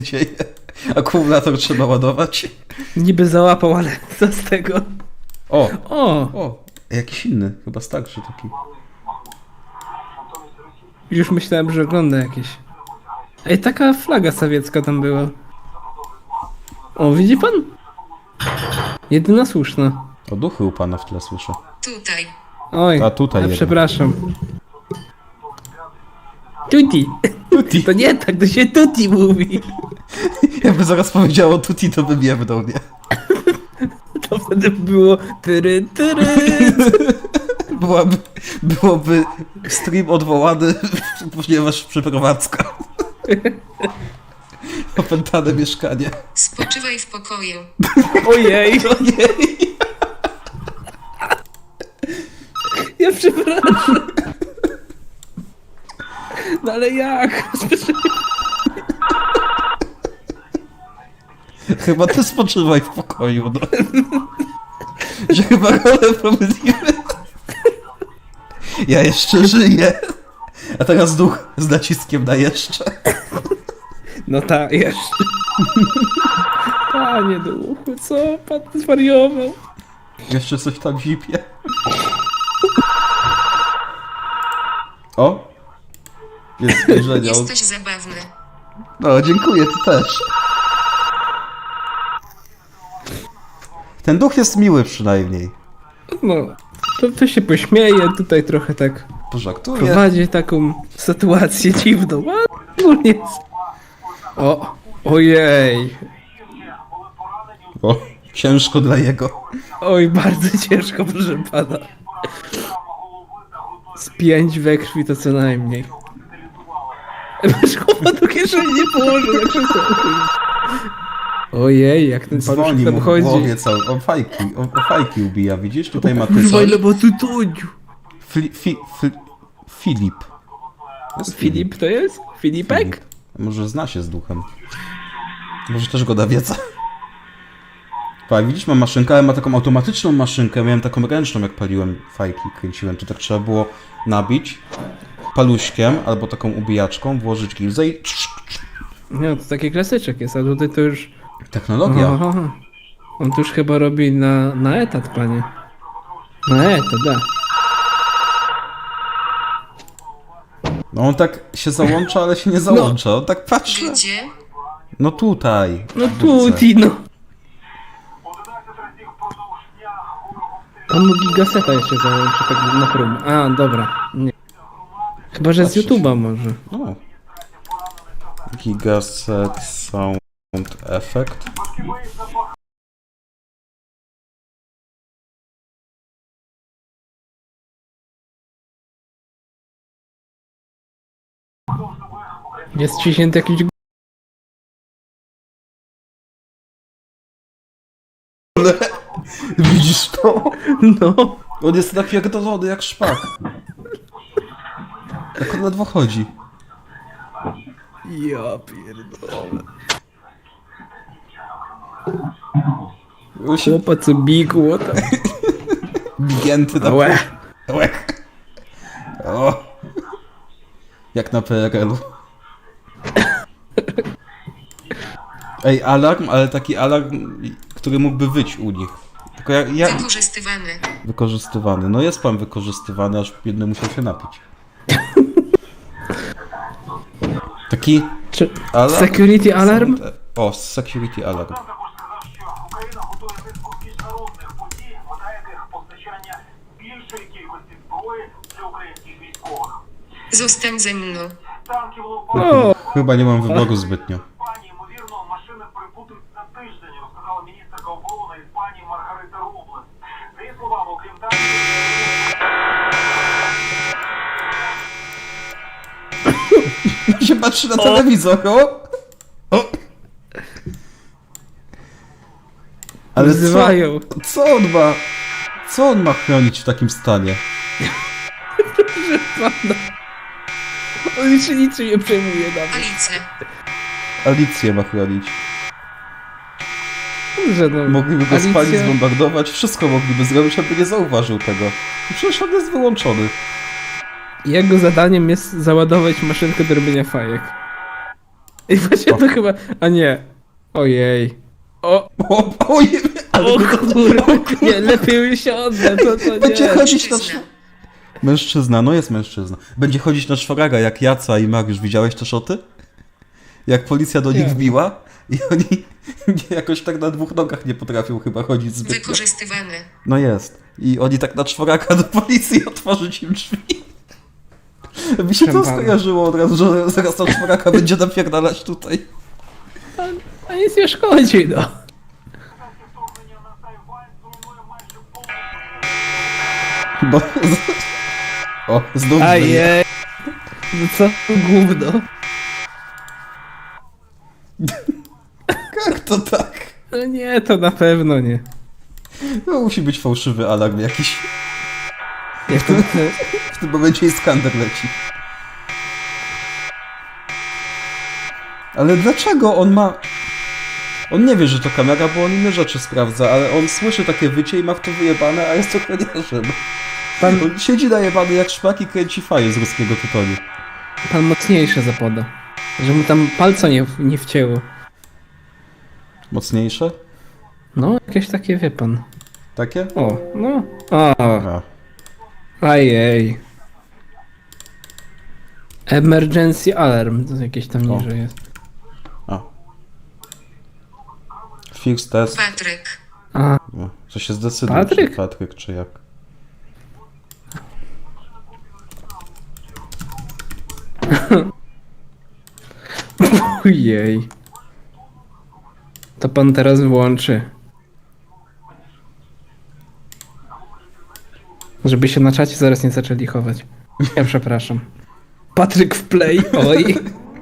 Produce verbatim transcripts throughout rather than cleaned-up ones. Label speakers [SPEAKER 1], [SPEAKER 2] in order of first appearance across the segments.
[SPEAKER 1] dzieje? Akumulator trzeba ładować.
[SPEAKER 2] Niby załapał, ale co z tego?
[SPEAKER 1] O!
[SPEAKER 2] O!
[SPEAKER 1] O! Jakiś inny, chyba starszy taki.
[SPEAKER 2] Już myślałem, że ogląda jakieś. Ej, taka flaga sowiecka tam była. O, widzi pan? Jedyna słuszna.
[SPEAKER 1] O, duchy u pana w tle słyszę.
[SPEAKER 3] Tutaj.
[SPEAKER 2] Oj,
[SPEAKER 1] A tutaj
[SPEAKER 2] a
[SPEAKER 1] jeden.
[SPEAKER 2] przepraszam. Tuti.
[SPEAKER 1] Tuti.
[SPEAKER 2] To nie tak, to się tuti mówi.
[SPEAKER 1] Jakby zaraz powiedziało tuti, to bym jebnął, nie?
[SPEAKER 2] To wtedy było tyry, tyry.
[SPEAKER 1] Byłaby, byłoby stream odwołany, ponieważ przeprowadzka. Opętane mieszkanie.
[SPEAKER 3] Spoczywaj w pokoju.
[SPEAKER 2] Ojej.
[SPEAKER 1] Ojej!
[SPEAKER 2] Ja przepraszam. No ale jak?
[SPEAKER 1] Chyba ty spoczywaj w pokoju, no. Że chyba rolę pomylimy. Ja jeszcze żyję. A teraz duch z naciskiem na jeszcze.
[SPEAKER 2] No tak, jeszcze. Panie duchu, co pan zwariował?
[SPEAKER 1] Jeszcze coś tam zipie. O! Jest spojrzenie.
[SPEAKER 3] Jesteś zabawny.
[SPEAKER 1] No, dziękuję, ty też. Ten duch jest miły przynajmniej.
[SPEAKER 2] No, to, to się pośmieje, tutaj trochę tak
[SPEAKER 1] Pożartuje.
[SPEAKER 2] prowadzi taką sytuację dziwną. A, no nie. O, ojej.
[SPEAKER 1] O, ciężko dla jego.
[SPEAKER 2] Oj, bardzo ciężko, proszę pana. Z pięć we krwi to co najmniej. Masz chłopa do kieszeni nie położył na krzesło. Ojej, jak ten pan
[SPEAKER 1] Dzwoni
[SPEAKER 2] tam
[SPEAKER 1] mu w
[SPEAKER 2] chodzi.
[SPEAKER 1] głowie cały. O fajki, o, o fajki ubija, widzisz? Tutaj ma ty
[SPEAKER 2] Kurwa,
[SPEAKER 1] coś.
[SPEAKER 2] ile ma tu todziu.
[SPEAKER 1] Fli, fi, fi, Filip. Jest
[SPEAKER 2] Filip to jest? Filipek?
[SPEAKER 1] Filip. Może zna się z duchem. Może też go da wiedza. Pa, widzisz, mam maszynkę, ale ma taką automatyczną maszynkę. Miałem taką ręczną, jak paliłem fajki, kręciłem. To tak trzeba było nabić paluśkiem albo taką ubijaczką, włożyć gilzę i...
[SPEAKER 2] Nie, to taki klasyczek jest, a tutaj to już...
[SPEAKER 1] Technologia.
[SPEAKER 2] Aha. On to już chyba robi na, na etat, panie. Na etat, da.
[SPEAKER 1] No on tak się załącza, ale się nie załącza. On tak patrzy.
[SPEAKER 3] Gdzie?
[SPEAKER 1] No tutaj.
[SPEAKER 2] No
[SPEAKER 1] w budce.
[SPEAKER 2] tuti, no. On mu gigaseta jeszcze załączy, tak na próbę. A, dobra. Nie. Chyba, że z
[SPEAKER 1] Patrzeć.
[SPEAKER 2] YouTube'a może.
[SPEAKER 1] No. Gigaset Sound Effect.
[SPEAKER 2] Jest ciśnięty jakiś...
[SPEAKER 1] Widzisz to?
[SPEAKER 2] No.
[SPEAKER 1] On jest napierdolony jak szpak. Jak on ledwo chodzi.
[SPEAKER 2] Ja pierdolę.
[SPEAKER 1] On się
[SPEAKER 2] Chłopa co bigło tam.
[SPEAKER 1] bigięty na
[SPEAKER 2] Łe.
[SPEAKER 1] Łek. O. Jak na P R L-u. Ej, alarm, ale taki alarm, który mógłby wyć u nich. Tylko ja, ja...
[SPEAKER 3] Wykorzystywany.
[SPEAKER 1] Wykorzystywany. No jest pan wykorzystywany, aż biedny musiał się napić. Taki
[SPEAKER 2] Czy...
[SPEAKER 1] alarm?
[SPEAKER 2] Security alarm?
[SPEAKER 1] O, security alarm.
[SPEAKER 4] Україна готує низку міжнародних подій, мета яких постачання більшої кількості зброї для українських військових.
[SPEAKER 3] Zostań ze mną.
[SPEAKER 4] Танків
[SPEAKER 2] O,
[SPEAKER 4] Леопард
[SPEAKER 1] Chyba nie mam wyboru zbytnio.
[SPEAKER 4] Іспанії, ймовірно, машини прибудуть за тиждень, розказала міністерка оборони Іспанії Маргарита Роблес. За її словами, окрім танків,
[SPEAKER 1] się patrzy na telewizor, o! O! Ale
[SPEAKER 2] wzywają.
[SPEAKER 1] co, co on ma? Co on ma chronić w takim stanie?
[SPEAKER 2] On już się niczym nie przejmuje nawet.
[SPEAKER 3] Alice.
[SPEAKER 1] Alicję ma chronić.
[SPEAKER 2] Że no,
[SPEAKER 1] Mogliby go
[SPEAKER 2] Alicja-
[SPEAKER 1] spalić, zbombardować, wszystko mogliby zrobić, aby nie zauważył tego. I przecież on jest wyłączony.
[SPEAKER 2] Jego zadaniem jest załadować maszynkę do robienia fajek. I właśnie to chyba... A nie. Ojej. O,
[SPEAKER 1] O, ojej, ale
[SPEAKER 2] o kurwa, nie, lepiej się odda, to, to
[SPEAKER 1] będzie
[SPEAKER 2] nie.
[SPEAKER 1] chodzić na
[SPEAKER 3] Mężczyzna.
[SPEAKER 1] szw... Mężczyzna, no jest mężczyzna. Będzie chodzić na szwaraga jak Jaca i Mariusz. Widziałeś te szoty? Jak policja do nich
[SPEAKER 2] Nie.
[SPEAKER 1] wbiła i oni jakoś tak na dwóch nogach nie potrafią chyba chodzić zbytnio.
[SPEAKER 3] Wykorzystywane.
[SPEAKER 1] No jest. I oni tak na czworaka do policji otworzyć im drzwi. Mi się to
[SPEAKER 2] Szempana.
[SPEAKER 1] skojarzyło od razu, że zaraz na czworaka będzie napierdalać tutaj.
[SPEAKER 2] A nic nie szkodzi, no.
[SPEAKER 4] Вторгнення на Тайвань зруйнує майже повністю.
[SPEAKER 1] Bo... O, znów żyje.
[SPEAKER 2] Ajej. No co to gówno?
[SPEAKER 1] Jak to tak?
[SPEAKER 2] No nie, to na pewno nie.
[SPEAKER 1] To musi być fałszywy alarm jakiś.
[SPEAKER 2] Jak to...
[SPEAKER 1] W tym momencie Iskander leci. Ale dlaczego on ma... On nie wie, że to kamera, bo on inne rzeczy sprawdza, ale on słyszy takie wycie i ma w to wyjebane, a jest ochroniarzem.
[SPEAKER 2] Pan,
[SPEAKER 1] On siedzi najebany jak szpak i kręci faję z ruskiego tytoniu.
[SPEAKER 2] pan mocniejsze zapoda. Że mu tam palca nie, nie wcięło.
[SPEAKER 1] Mocniejsze?
[SPEAKER 2] No, jakieś takie, wie pan.
[SPEAKER 1] Takie?
[SPEAKER 2] O, no. O,
[SPEAKER 1] A.
[SPEAKER 2] ajej. Emergency alarm. To jakieś tam
[SPEAKER 1] O.
[SPEAKER 2] niżej jest.
[SPEAKER 1] A. Fix test.
[SPEAKER 3] Patryk.
[SPEAKER 2] A,
[SPEAKER 1] No, to się zdecyduje,
[SPEAKER 2] Patryk?
[SPEAKER 1] czy Patryk, czy jak.
[SPEAKER 2] ojej. To pan teraz włączy. Żeby się na czacie zaraz nie zaczęli chować. Ja przepraszam. Patryk w play, oj.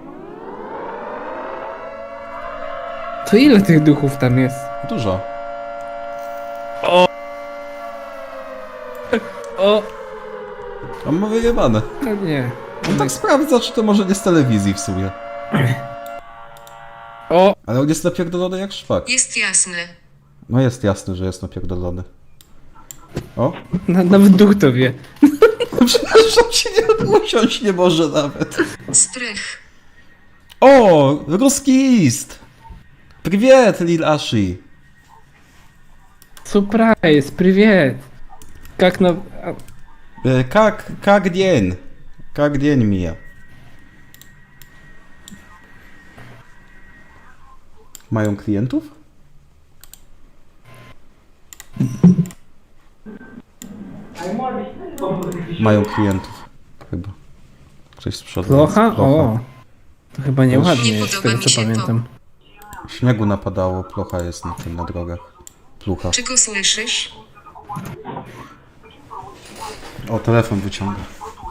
[SPEAKER 2] To ile tych duchów tam jest?
[SPEAKER 1] Dużo.
[SPEAKER 2] O,
[SPEAKER 1] On ma wyjebane.
[SPEAKER 2] no nie.
[SPEAKER 1] On tak sprawdza, czy to może nie z telewizji w sumie.
[SPEAKER 2] O,
[SPEAKER 1] Ale on jest napierdolony jak szwak.
[SPEAKER 3] Jest jasne.
[SPEAKER 1] No jest jasne, że jest napierdolony. O?
[SPEAKER 2] na, nawet duch to wie.
[SPEAKER 1] Przepraszam, się nie usiąść nie może nawet.
[SPEAKER 3] Strych.
[SPEAKER 1] O! Ruski ist! Привет, Lil Ashi!
[SPEAKER 2] Surprise, привет. Jak na... a,
[SPEAKER 1] E, Как, как день? Как день мija? Mają klientów? Mają klientów. Chyba. Ktoś z przodu.
[SPEAKER 2] Plocha?
[SPEAKER 1] Plocha.
[SPEAKER 2] O. To chyba nieładnie
[SPEAKER 3] Nie
[SPEAKER 2] jest, z
[SPEAKER 3] podoba
[SPEAKER 2] tego
[SPEAKER 3] mi
[SPEAKER 2] co
[SPEAKER 3] się to.
[SPEAKER 2] pamiętam.
[SPEAKER 1] Śniegu napadało, plocha jest na tym, na drogach. Plucha.
[SPEAKER 3] Czy go słyszysz?
[SPEAKER 1] O, telefon wyciąga.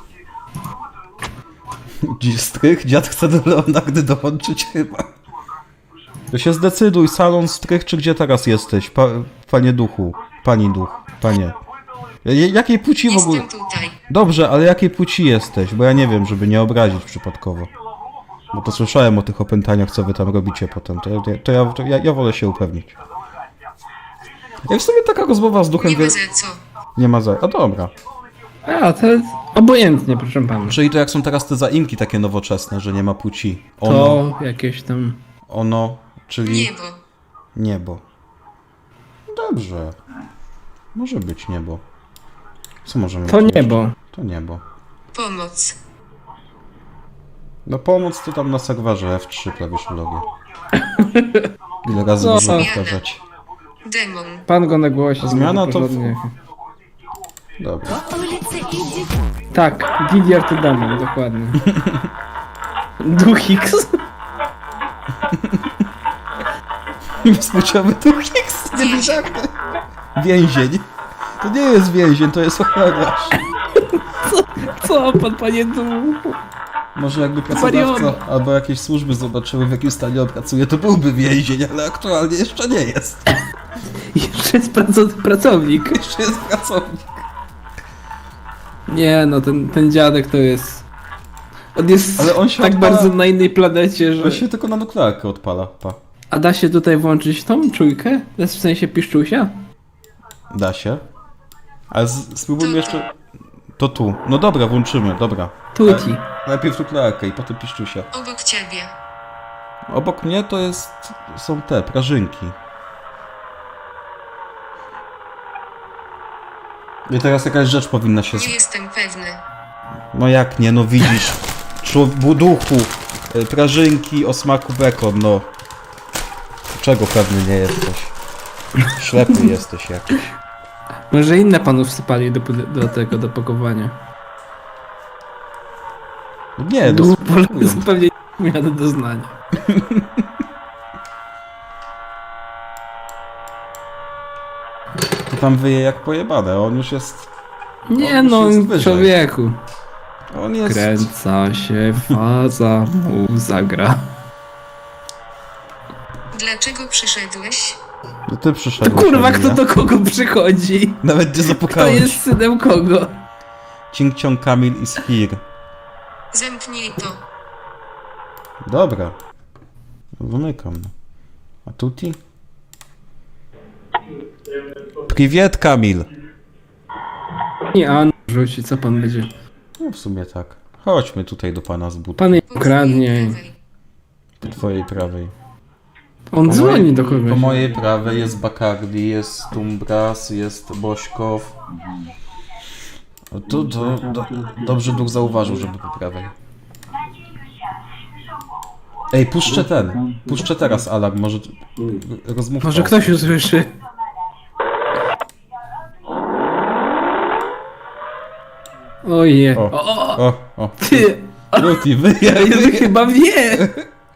[SPEAKER 1] Dziś strych? Dziad chce do Leonardy dołączyć chyba. To się zdecyduj, salon strych, czy gdzie teraz jesteś? Pa, panie duchu. Pani duch. Panie. J- jakiej płci w ogóle?
[SPEAKER 3] Jestem tutaj.
[SPEAKER 1] Dobrze, ale jakiej płci jesteś? Bo ja nie wiem, żeby nie obrazić przypadkowo. Bo to słyszałem o tych opętaniach, co wy tam robicie potem. To, ja- to, ja, to ja, ja wolę się upewnić. Jak w sumie taka rozmowa z duchem...
[SPEAKER 3] Nie
[SPEAKER 1] wie-
[SPEAKER 3] ma za co.
[SPEAKER 1] Nie ma za... A dobra.
[SPEAKER 2] A, to jest obojętnie, proszę pana.
[SPEAKER 1] Czyli to jak są teraz te zaimki takie nowoczesne, że nie ma płci. Ono,
[SPEAKER 2] To jakieś tam...
[SPEAKER 1] ono, czyli
[SPEAKER 3] Niebo.
[SPEAKER 1] niebo. Dobrze. Może być niebo. Co możemy
[SPEAKER 2] To
[SPEAKER 1] tu jeszcze?
[SPEAKER 2] niebo.
[SPEAKER 1] To niebo.
[SPEAKER 3] Pomoc.
[SPEAKER 1] No pomóc to tam na serwerze F trzy klawiszologię. Ile razy
[SPEAKER 2] No,
[SPEAKER 1] można
[SPEAKER 2] no.
[SPEAKER 1] powtarzać?
[SPEAKER 3] Demon.
[SPEAKER 2] Pan go na głosie.
[SPEAKER 1] Zmiana
[SPEAKER 2] żeby
[SPEAKER 1] to-
[SPEAKER 2] porządnie.
[SPEAKER 1] Dobra.
[SPEAKER 2] Tak, Didier to demon, dokładnie. Duch X.
[SPEAKER 1] Bezpłciowy duch X, nie wiedziałem. Więzień. To nie jest więzień, to jest ochroniarz.
[SPEAKER 2] Co pan, panie duchu?
[SPEAKER 1] Może jakby pracodawca albo jakieś służby zobaczyły, w jakim stanie on pracuje, to byłby więzień, ale aktualnie jeszcze nie jest.
[SPEAKER 2] Jeszcze jest praco- pracownik.
[SPEAKER 1] Jeszcze jest pracownik.
[SPEAKER 2] Nie no, ten, ten dziadek to jest... On jest
[SPEAKER 1] Ale on się
[SPEAKER 2] tak
[SPEAKER 1] odpala-
[SPEAKER 2] bardzo na innej planecie, że...
[SPEAKER 1] To się tylko na nuklearkę odpala, pa.
[SPEAKER 2] A da się tutaj włączyć tą czujkę? To jest w sensie piszczusia?
[SPEAKER 1] Da się. Ale z- spróbujmy
[SPEAKER 3] Tu,
[SPEAKER 1] jeszcze... To tu. No dobra, włączymy, dobra.
[SPEAKER 2] Tuti.
[SPEAKER 1] Najpierw nuklearkę i potem piszczusia.
[SPEAKER 3] Obok ciebie.
[SPEAKER 1] Obok mnie to jest... są te, prażynki. I teraz jakaś rzecz powinna się...
[SPEAKER 3] Nie jestem pewny.
[SPEAKER 1] No jak nie, no widzisz. Człowiek, duchu, y, prażynki o smaku bekon, no. Czego pewny nie jesteś? Ślepy jesteś jakiś.
[SPEAKER 2] Może inne panów wsypali do, pud- do tego, do pakowania.
[SPEAKER 1] Nie, no
[SPEAKER 2] Duch
[SPEAKER 1] spróbują.
[SPEAKER 2] pewnie nie miał do doznania.
[SPEAKER 1] To tam wyje jak pojebane, on już jest...
[SPEAKER 2] Nie
[SPEAKER 1] On już
[SPEAKER 2] no,
[SPEAKER 1] jest wyżej.
[SPEAKER 2] człowieku.
[SPEAKER 1] On jest...
[SPEAKER 2] Kręca się faza, mu zagra.
[SPEAKER 3] Dlaczego przyszedłeś?
[SPEAKER 1] No ty
[SPEAKER 2] To
[SPEAKER 1] przyszedłeś.
[SPEAKER 2] kurwa,
[SPEAKER 1] Emilia.
[SPEAKER 2] kto do kogo przychodzi?
[SPEAKER 1] Nawet nie
[SPEAKER 2] Kto
[SPEAKER 1] zapukałeś.
[SPEAKER 2] jest synem kogo?
[SPEAKER 1] Cing Ciong Kamil is here.
[SPEAKER 3] Zamknij to.
[SPEAKER 1] Dobra. Zamykam. A tuti? Priwiet, Kamil.
[SPEAKER 2] Nie, a on rzuci, co pan będzie?
[SPEAKER 1] No w sumie tak. Chodźmy tutaj do pana z buta.
[SPEAKER 2] Pan jej
[SPEAKER 3] Po
[SPEAKER 2] ukradnie.
[SPEAKER 3] twojej prawej.
[SPEAKER 1] Po twojej prawej.
[SPEAKER 2] On dzwoni do kogoś.
[SPEAKER 1] Po mojej prawej jest Bacardi, jest Tumbras, jest Bośkow. O, Tu, tu, do, dobrze duch zauważył, żeby po prawej. Ej, puszczę ten. Puszczę teraz alarm, może rozmówmy.
[SPEAKER 2] Może ktoś usłyszy. Oje.
[SPEAKER 1] O,
[SPEAKER 2] O, o,
[SPEAKER 1] o, o.
[SPEAKER 2] ty!
[SPEAKER 1] Luti, wyjaj,
[SPEAKER 2] Jezu,
[SPEAKER 1] wyjaj.
[SPEAKER 2] chyba wie!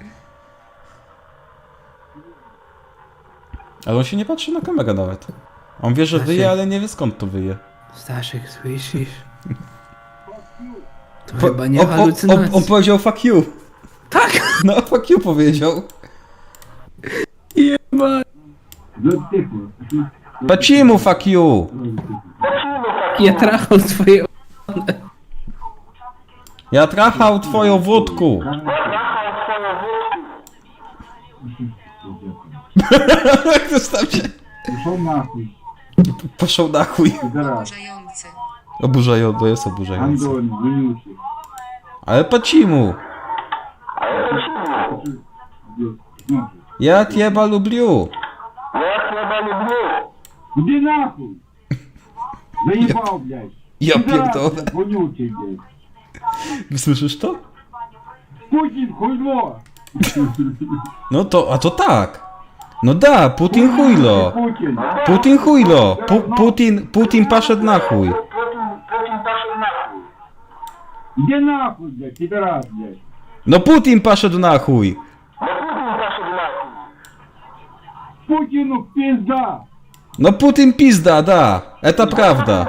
[SPEAKER 1] Ale on się nie patrzy na kamerę nawet. On wie, że wyje, ale nie wie skąd to wyje.
[SPEAKER 2] Staszek, słyszysz? To
[SPEAKER 1] Po-
[SPEAKER 2] chyba nie
[SPEAKER 1] on, on, on,
[SPEAKER 2] halucynacja.
[SPEAKER 1] on powiedział fuck you.
[SPEAKER 2] Tak!
[SPEAKER 1] No, fuck you powiedział.
[SPEAKER 2] Jeba.
[SPEAKER 1] Pacimu fuck you.
[SPEAKER 2] Ja trachał twoje...
[SPEAKER 1] Ja trachał twoją wódku. Jak to tam się...
[SPEAKER 5] Пошел нахуй,
[SPEAKER 1] Poszł na chuj.
[SPEAKER 5] пидорас.
[SPEAKER 3] Oburzające.
[SPEAKER 1] Oburzająco, jest oburzające.
[SPEAKER 5] Андон, вонючий.
[SPEAKER 1] Ale pacimu.
[SPEAKER 5] Ну,
[SPEAKER 1] Ja cieba lubię.
[SPEAKER 5] Иди нахуй! Заебал, блядь!
[SPEAKER 1] Ja
[SPEAKER 5] Пидорас,
[SPEAKER 1] pierdolę.
[SPEAKER 5] блядь, вонючий, блядь!
[SPEAKER 1] Słyszysz to?
[SPEAKER 5] Путин, хуйло!
[SPEAKER 1] No to, a to tak. No da, Putin chujlo.
[SPEAKER 5] Путин!
[SPEAKER 1] Putin chujlo. Pu, Putin, Putin poszedł na chuj.
[SPEAKER 5] Иди нахуй, блядь, пидорас, блядь!
[SPEAKER 1] No Putin poszedł na chuj.
[SPEAKER 5] Путину пизда!
[SPEAKER 1] No Putin pizda, da. Eta prawda.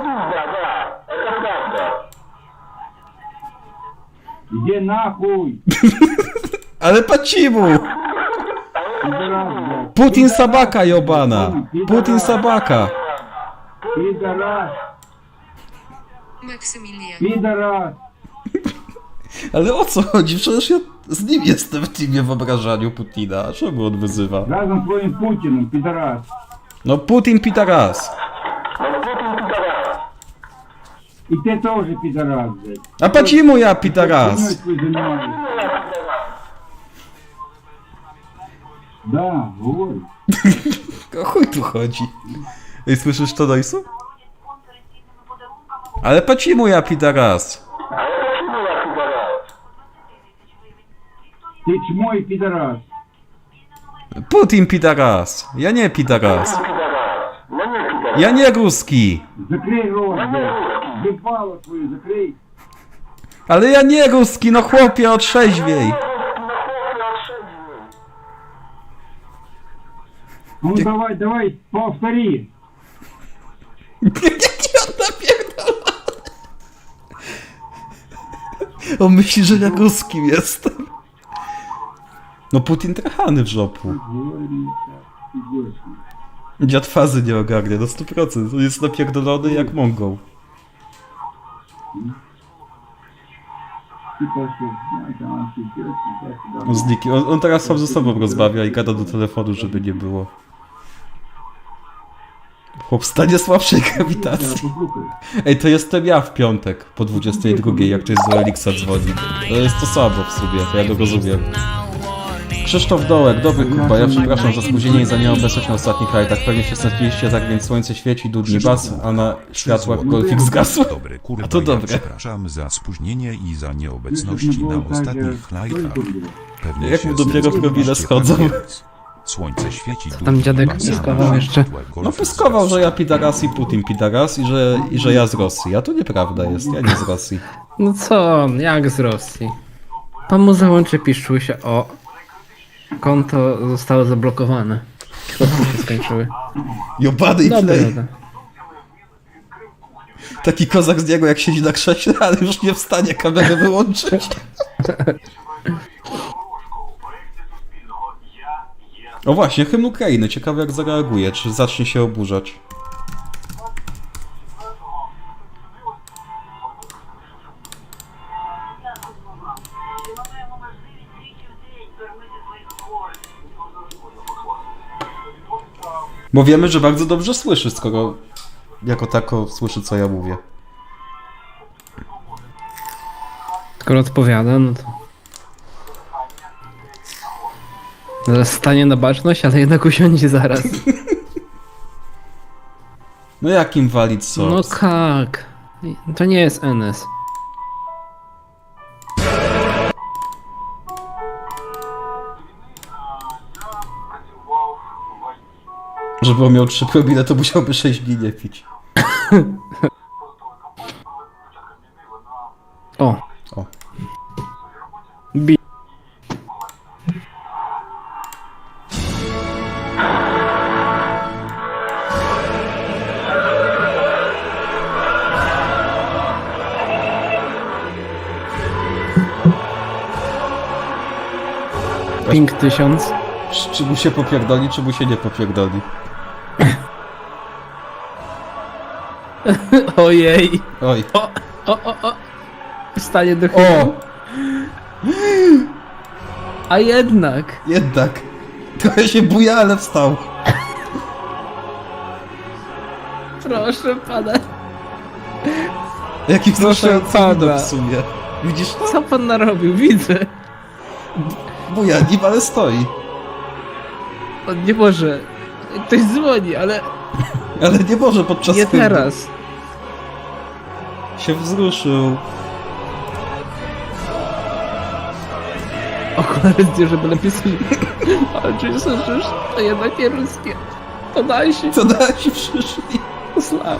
[SPEAKER 5] Иди нахуй!
[SPEAKER 1] Ale pacimu.
[SPEAKER 5] Пидорас, блядь!
[SPEAKER 1] Putin sabaka jobana. Putin sabaka.
[SPEAKER 5] Пидорас!
[SPEAKER 3] Maksymilian.
[SPEAKER 5] Пидорас!
[SPEAKER 1] Ale o co chodzi? Przecież ja z nim jestem w teamie wyobrażaniu Putina. A czemu on wyzywa?
[SPEAKER 5] Разом с твоим Путиным, пидорас!
[SPEAKER 1] No Putin pitaras.
[SPEAKER 5] И ты тоже пидорас, блядь!
[SPEAKER 1] A pacimu ja pitaras.
[SPEAKER 5] Хуйнёй твоей занимаешься. Да, говори.
[SPEAKER 1] O chuj tu chodzi? Ej, słyszysz to, Dojsu? Ale pacimu ja pitaras.
[SPEAKER 5] Ты чмо и пидорас!
[SPEAKER 1] Putin pitaras. Ja nie pitaras. Ja nie ruski.
[SPEAKER 5] Закрой рот, блядь! Ебало твою закрой!
[SPEAKER 1] Ale ja nie ruski, no chłopie, otrzeźwiej.
[SPEAKER 5] Ну давай, давай, повтори!
[SPEAKER 1] Jaki on napierdala? On myśli, że ja ruskim jestem. No Putin trachany w żopu.
[SPEAKER 5] Говори, идешь.
[SPEAKER 1] Dziad fazy nie ogarnia, no sto procent. On jest napierdolony jak Mongol.
[SPEAKER 5] Ты пошел, знаешь, она идет, туда-сюда.
[SPEAKER 1] On, z nikim, on, on teraz sam ze sobą rozmawia i gada do telefonu, żeby nie było. Chłop w stanie słabszej grawitacji.
[SPEAKER 5] Послухай,
[SPEAKER 1] Ej, to jestem ja w piątek po dwudziestej drugiej, jak ktoś z Elixa dzwoni. To jest to samo w sumie, to ja go rozumiem. Krzysztof Dołek, dobry Kuba, ja przepraszam za spóźnienie i za nieobecność na ostatnich rajdach. Pewnie się stęskniliście, tak więc słońce świeci, dudni bas, a na światłach golfik zgasł.
[SPEAKER 6] Dobry kurwa,
[SPEAKER 1] A to dobre.
[SPEAKER 6] Ja przepraszam za spóźnienie i za nieobecności na ostatnich lajkach. Pewnie
[SPEAKER 1] Jak
[SPEAKER 6] się
[SPEAKER 1] mu dopiero
[SPEAKER 6] zdecydowaście
[SPEAKER 1] promile schodzą.
[SPEAKER 6] tak więc. Słońce świeci,
[SPEAKER 2] tam dziadek
[SPEAKER 6] dudni bas, a
[SPEAKER 2] pyskował
[SPEAKER 6] na
[SPEAKER 2] jeszcze?
[SPEAKER 6] światłach
[SPEAKER 1] No
[SPEAKER 6] golfik
[SPEAKER 1] pyskował,
[SPEAKER 6] zgasł.
[SPEAKER 1] że ja Pidaras i Putin Pidaras i że, i że ja z Rosji. A to nieprawda jest, ja nie z Rosji.
[SPEAKER 2] No co, jak z Rosji? Pan mu załączy piszczuł się, o. Konto zostało zablokowane. Środki się skończyły.
[SPEAKER 1] Jobany i
[SPEAKER 2] Dobra,
[SPEAKER 1] play.
[SPEAKER 2] dobra.
[SPEAKER 1] Taki kozak z niego jak siedzi na krześle, ale już nie wstanie kamerę wyłączyć. O właśnie, hymn Ukrainy. Ciekawe jak zareaguje, czy zacznie się oburzać.
[SPEAKER 4] Маємо можливість тричі в день кормити своїх хворих.
[SPEAKER 1] Bo wiemy, że bardzo dobrze słyszy, skoro jako tako słyszy, co ja mówię.
[SPEAKER 2] Skoro odpowiada, no to... Zaraz stanie na baczność, ale jednak usiądzie zaraz.
[SPEAKER 1] No jakim walić co?
[SPEAKER 2] No jak? To nie jest N S.
[SPEAKER 1] Żeby on miał trzy promile, to musiałby sześć dni nie pić.
[SPEAKER 2] O.
[SPEAKER 1] O.
[SPEAKER 2] Bi. Ping tysiąc.
[SPEAKER 1] Czy mu się popierdoli, czy mu się nie popierdoli?
[SPEAKER 2] Ojej.
[SPEAKER 1] Oj.
[SPEAKER 2] O, o, o, o. Stanie do
[SPEAKER 1] O!
[SPEAKER 2] chyba. A jednak.
[SPEAKER 1] Jednak. Trochę się buja, ale wstał.
[SPEAKER 2] Proszę pana.
[SPEAKER 1] Jaki wzruszający
[SPEAKER 2] pana.
[SPEAKER 1] widok w sumie. Widzisz to?
[SPEAKER 2] Co pan narobił? Widzę.
[SPEAKER 1] Buja nim, ale stoi.
[SPEAKER 2] On nie może. Ktoś dzwoni, ale
[SPEAKER 1] Ale nie może podczas
[SPEAKER 2] nie
[SPEAKER 1] hymnu.
[SPEAKER 2] teraz.
[SPEAKER 1] Się wzruszył.
[SPEAKER 2] Okulary zdjął, żeby lepiej słyszeć. Ale czy słyszysz? To jednak nie ruskie. To daj się.
[SPEAKER 1] Co nasi przyszli?
[SPEAKER 2] Sława.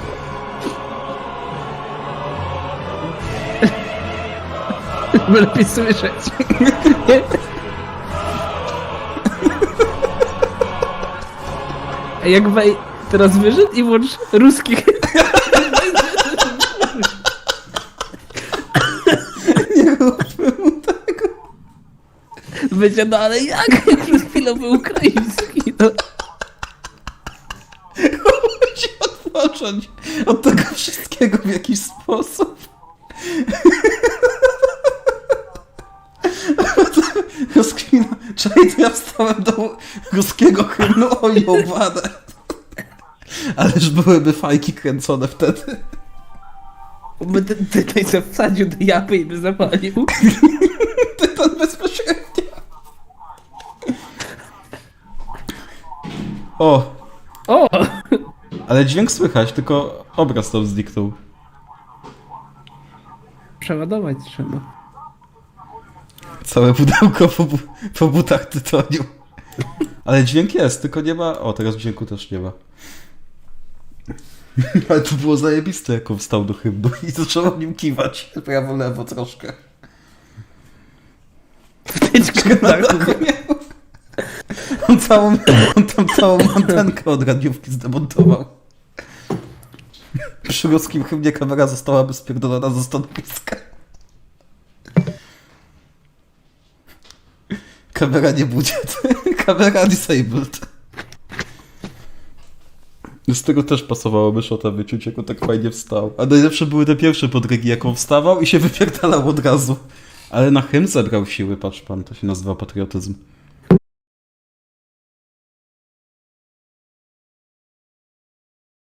[SPEAKER 2] Żeby lepiej słyszeć. A jak wej... Teraz wyszedł i włącz ruskich.
[SPEAKER 1] Nie róbmy mu tego.
[SPEAKER 2] Będzie, no ale jak? Jak przez chwilę był ukraiński, no.
[SPEAKER 1] Musi odpocząć od tego wszystkiego w jakiś sposób. Rozkwina. Czekaj, to ja wstałem do ruskiego hymnu, o jobane. Ależ byłyby fajki kręcone wtedy.
[SPEAKER 2] By ten tytej se wsadził do japy i by zapalił.
[SPEAKER 1] Tytan bezpośrednio. O,
[SPEAKER 2] O!
[SPEAKER 1] ale dźwięk słychać, tylko obraz tam zniknął.
[SPEAKER 2] Przeładować trzeba.
[SPEAKER 1] Całe pudełko po, bu- po butach tytoniu. Ale dźwięk jest, tylko nie ma... O, teraz dźwięku też nie ma. Ale to było zajebiste, jak on wstał do hymnu i zaczął nim kiwać. Prawo, lewo troszkę.
[SPEAKER 2] Wtyczkę na
[SPEAKER 1] On, całą, on tam całą antenkę od radiówki zdemontował. Przy ruskim hymnie kamera zostałaby spierdolona ze stanowiska. Kamera nie budżet. Kamera disabled. Z tego też pasowałoby szota wyczuć, jak on tak fajnie wstał. A najlepsze były te pierwsze podrygi, jak on wstawał i się wypierdalał od razu. Ale na hymn zebrał siły, patrz pan, to się nazywa patriotyzm.